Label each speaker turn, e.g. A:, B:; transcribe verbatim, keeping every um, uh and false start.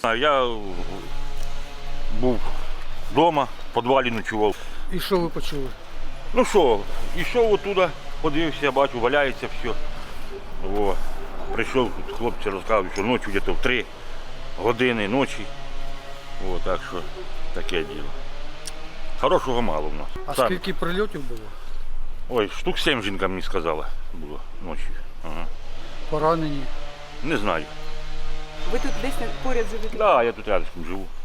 A: знаю, я був вдома, в підвалі ночував.
B: І що ви почули?
A: Ну що, йшов оттуда, подивився, бачу, валяється все. О, прийшов, тут хлопці розказують, що ночі десь в три години ночі. О, так що таке діло. Хорошого мало в нас.
B: А
A: Сам-
B: скільки прильотів було?
A: Ой, штук сім жінка мені сказала було ночі. Ага.
B: Поранені?
A: Не знаю.
C: Ви тут десь поряд живете?
A: Так, да, я тут рядом живу.